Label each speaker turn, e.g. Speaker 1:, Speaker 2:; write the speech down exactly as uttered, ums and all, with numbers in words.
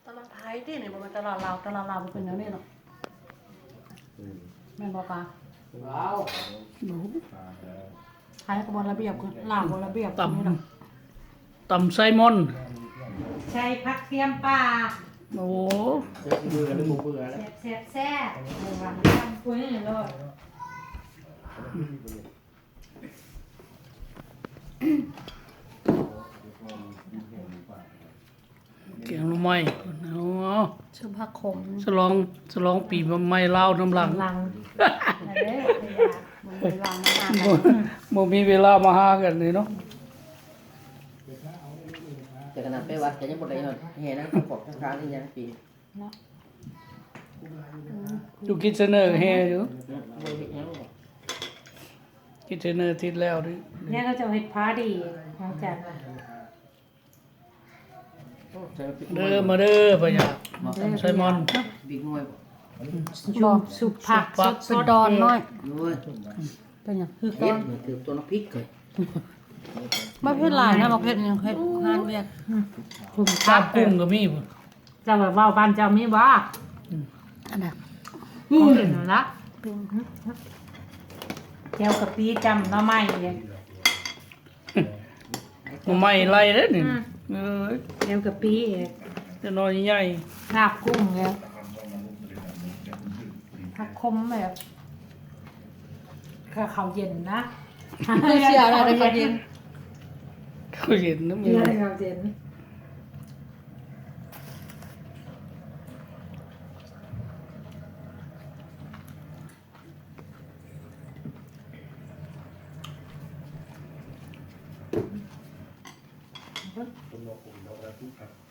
Speaker 1: ตลาดไทยที่นี่มันเป็นตลาดลาวตลาดลาวมันเป็นอย่างนี้เนาะแม่นบอกกา
Speaker 2: ลาว
Speaker 1: หนูไทยกับบนระเบียบกันลาวบนระเบียบ
Speaker 3: ต
Speaker 1: นี่เนาะ
Speaker 3: ำตำไซมอน
Speaker 4: ใช้ผักเทียมป่า
Speaker 3: โอ้
Speaker 2: เบื่อเบื่อแล้วหมูเบื่อแล้ว
Speaker 4: แซ่บแซ่บแซ่บทำปุ้ยนี่เลย
Speaker 3: เกียงหน่อไม้เอาเอา
Speaker 1: ชื่อผักขม
Speaker 3: ฉลองฉลองปีใหม่ลาวน้ำหลัง
Speaker 1: ลังเด้อมันเป็นลังมาก
Speaker 3: บ่บ่มีเวลามาหากันนี่เนาะ
Speaker 2: แต่ขนาดไปวัดแต่ยังบ่ได้เห็นนะขอบข้างๆนี่ยังปี
Speaker 1: เนาะ
Speaker 3: อยู่คิดเสนอแฮอยู่
Speaker 2: บ่เห็นยัง
Speaker 3: คิดเสนอทิศแล้วดิ
Speaker 4: เนี่ยก็จะเห็ดพาดีของจันทร์
Speaker 3: เด้อมาเด้อปะยาตำไซมอน
Speaker 2: บิ๊กน้อยบ่
Speaker 4: ชุบสุกผัก
Speaker 3: ผัก
Speaker 4: ส
Speaker 1: เป็น
Speaker 4: ด
Speaker 1: ดอนน้อย
Speaker 2: ด้วย
Speaker 1: เป็นอย่างคือ
Speaker 2: เฮ็
Speaker 1: ก้อ
Speaker 2: ด
Speaker 1: น
Speaker 2: ถือตัวน้ำพริกเลย
Speaker 1: ไม่เผ็ดหลายนะบอกเผ็ดยังเผ็ดงานเวียก
Speaker 4: คุณ
Speaker 3: ตา
Speaker 4: ผั
Speaker 3: ม
Speaker 4: ก
Speaker 3: กุ้งก็มีบ่
Speaker 4: เจะแบบว่าบ้านเจ้ามีบ่
Speaker 1: อันนั้น
Speaker 4: ของเห็นละ
Speaker 1: เป็น
Speaker 4: เจียวกะปิจำหน้ำไม้เนี่ย
Speaker 3: หน่อไม้ไล่เด้อนี่เอ้ย
Speaker 4: เจียวกะปิเอง
Speaker 3: จะน้อยใหญ่
Speaker 4: ลาบกุ้งเนี่ยผักคมแบบข้าวเขาวเย็นนะ
Speaker 1: เสียอะไรในประเด็น
Speaker 3: เขาเห็นนะมึ
Speaker 4: เย
Speaker 3: ง
Speaker 4: อะข้าวเย็น
Speaker 5: ต้นนกผมเราได้ทุกครับ